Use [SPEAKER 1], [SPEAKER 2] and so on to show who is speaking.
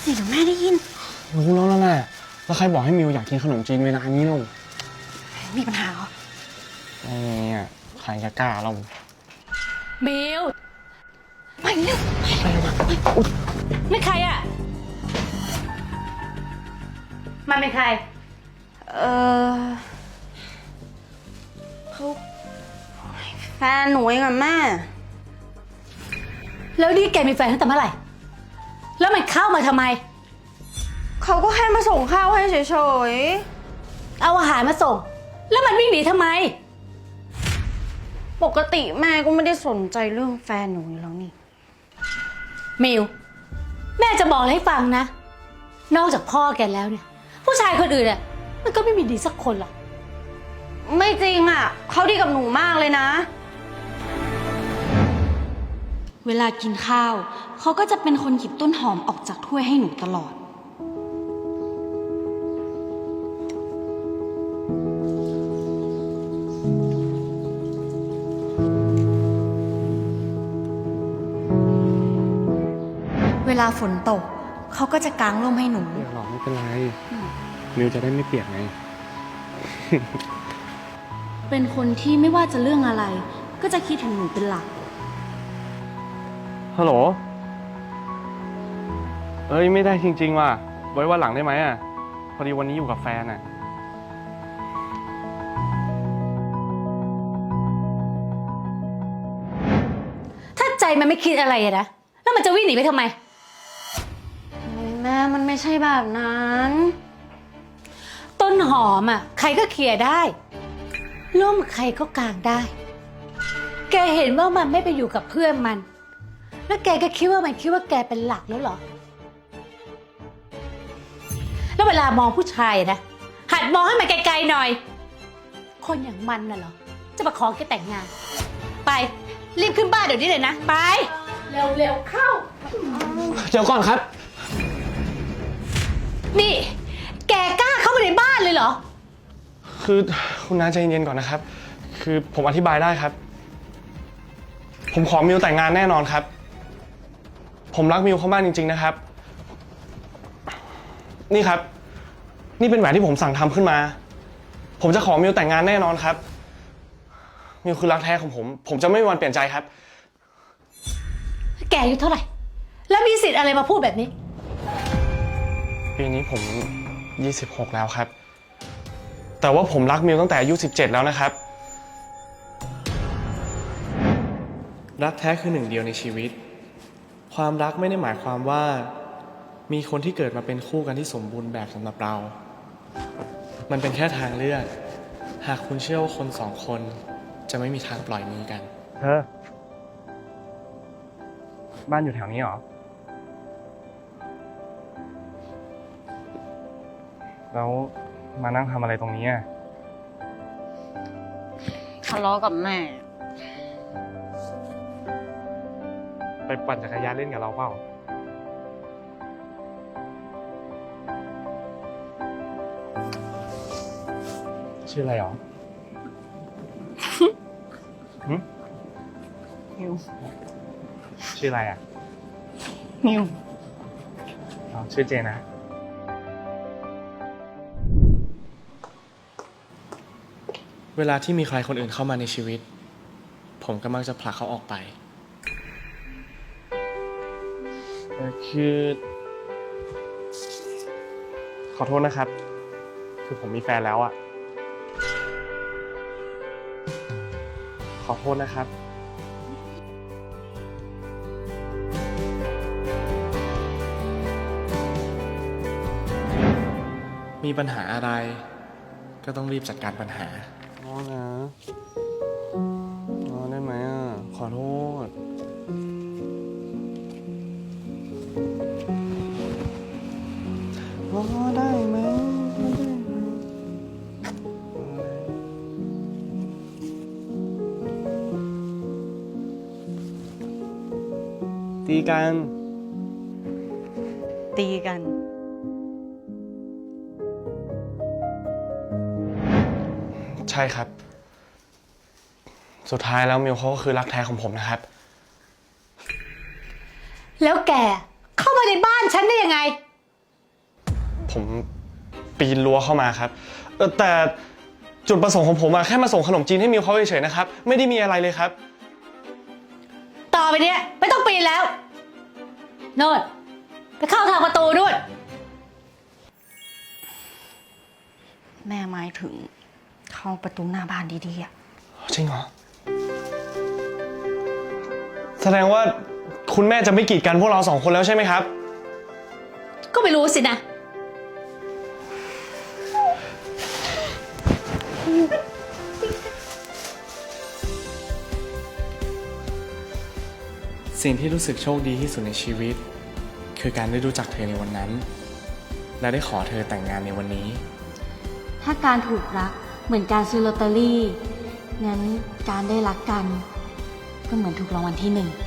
[SPEAKER 1] สิเดี๋ยวแม่ได้ยิน
[SPEAKER 2] รู้แล้วนั่นแหละแล้วใครบอกให้มิวอยากกินขนมจีนเวลานี้ลูก
[SPEAKER 1] มีปัญหาเหรอ
[SPEAKER 2] ไม่มีอ่ะใครจะกล้าเรา
[SPEAKER 3] มิว
[SPEAKER 1] ไปเร็ว
[SPEAKER 3] นี่ใครอ่ะมันเป็นใคร
[SPEAKER 1] เขาแฟนหนูเองอะแม่
[SPEAKER 3] แล้วนี่แกมีแฟนตั้งแต่เมื่อไหร่แล้วมันเข้ามาทำไม
[SPEAKER 1] เขาก็แค่มาส่งข้าวให้เฉย
[SPEAKER 3] ๆเอาอาหารมาส่งแล้วมันวิ่งหนีทำไม
[SPEAKER 1] ปกติแม่ก็ไม่ได้สนใจเรื่องแฟนหนูอยู่แล้วนี่
[SPEAKER 3] มิวแม่จะบอกให้ฟังนะนอกจากพ่อแกแล้วเนี่ยผู้ชายคนอื่นอ่ะมันก็ไม่มีดีสักคนหรอก
[SPEAKER 1] ไม่จริงอ่ะเขาดีกับหนูมากเลยนะเวลากินข้าวเขาก็จะเป็นคนหยิบต้นหอมออกจากถ้วยให้หนูตลอดเวลาฝนตกเขาก็จะกางร่มให้หนู
[SPEAKER 2] เดี๋ยวหรอกไม่เป็นไรมิวจะได้ไม่เปียกไง
[SPEAKER 1] เป็นคนที่ไม่ว่าจะเรื่องอะไรก็จะคิดถึงหนูเป็นหลัก
[SPEAKER 2] ฮัลโหลเอ้ยไม่ได้จริงๆว่ะไว้วันหลังได้ไหมอ่ะพอดีวันนี้อยู่กับแฟนอ่ะ
[SPEAKER 3] ถ้าใจมันไม่คิดอะไรนะแล้วมันจะวิ่งหนีไปทำไม
[SPEAKER 1] แม่มันไม่ใช่แบบนั้น
[SPEAKER 3] ต้นหอมอ่ะใครก็เคลียร์ได้ร่มใครก็กางได้แกเห็นว่ามันไม่ไปอยู่กับเพื่อนมันแล้วแกก็คิดว่ามันคิดว่าแกเป็นหลักแล้วเหรอแล้วเวลามองผู้ชายนะหัดมองให้มันไกลๆหน่อยคนอย่างมันน่ะเหรอจะมาขอแกแต่งงานไปรีบขึ้นบ้านเดี๋ยวนี้เลยนะไปเร็วๆเข้า
[SPEAKER 2] เดี๋ยวก่อนครับ
[SPEAKER 3] นี่แกกล้าเข้ามาในบ้านเลยเหรอ
[SPEAKER 2] คือคุณน้าใจเย็นๆก่อนนะครับคือผมอธิบายได้ครับผมขอมิวแต่งงานแน่นอนครับผมรักมิวเขามากจริงๆนะครับนี่ครับนี่เป็นแหวนที่ผมสั่งทำขึ้นมาผมจะขอมิวแต่งงานแน่นอนครับมิวคือรักแท้ของผมจะไม่มีวันเปลี่ยนใจครับ
[SPEAKER 3] แกอายุเท่าไหร่แล้วมีสิทธิ์อะไรมาพูดแบบนี้
[SPEAKER 2] ปีนี้ผม26แล้วครับแต่ว่าผมรักมิวตั้งแต่อายุ17แล้วนะครับรักแท้คือหนึ่งเดียวในชีวิตความรักไม่ได้หมายความว่ามีคนที่เกิดมาเป็นคู่กันที่สมบูรณ์แบบสำหรับเรามันเป็นแค่ทางเลือกหากคุณเชื่อว่าคนสองคนจะไม่มีทางปล่อยมือกันบ้านอยู่แถวนี้หรอแล้วมานั่งทำอะไรตรงนี้อ่ะ
[SPEAKER 1] ทะเลาะกับแม่
[SPEAKER 2] ไปปั่นจักรยานเล่นกับเราเปล่าชื่ออะไรหรอ
[SPEAKER 1] นิว
[SPEAKER 2] ชื่ออะไรอ่ะ
[SPEAKER 1] นิว
[SPEAKER 2] ชื่อเจนะเวลาที่มีใครคนอื่นเข้ามาในชีวิตผมก็มักจะผลักเขาออกไปคือขอโทษนะครับคือผมมีแฟนแล้วอ่ะขอโทษนะครับมีปัญหาอะไรก็ต้องรีบจัดการปัญหานะได้ไหมอ่ะขอโทษได้ไหมตีกันใช่ครับสุดท้ายแล้วมิวเขาก็คือรักแท้ของผมนะครับ
[SPEAKER 3] แล้วแกเข้ามาในบ้านฉันได้ยังไง
[SPEAKER 2] ผมปีนรั้วเข้ามาครับแต่จุดประสงค์ของผมอะแค่มาส่งขนมจีนให้มิวเขาเฉยๆนะครับไม่ได้มีอะไรเลยครับ
[SPEAKER 3] ต่อไปเนี้ยไม่ต้องปีนแล้วโน่นไปเข้าทางประตูนู่น
[SPEAKER 1] แม่หมายถึงเข้าประตูหน้าบ้านดีๆอะ
[SPEAKER 2] จริงเหรอแสดงว่าคุณแม่จะไม่กีดกันพวกเรา2 คนแล้วใช่ไหมครับ
[SPEAKER 3] ก็ไม่รู้สินะ
[SPEAKER 2] สิ่งที่รู้สึกโชคดีที่สุดในชีวิต คือการได้รู้จักเธอในวันนั้น และได้ขอเธอแต่งงานในวันนี้
[SPEAKER 1] ถ้าการถูกรักเหมือนการซื้อลอตเตอรี่งั้นการได้รักกัน ก็เหมือนถูกรางวัลที่ 1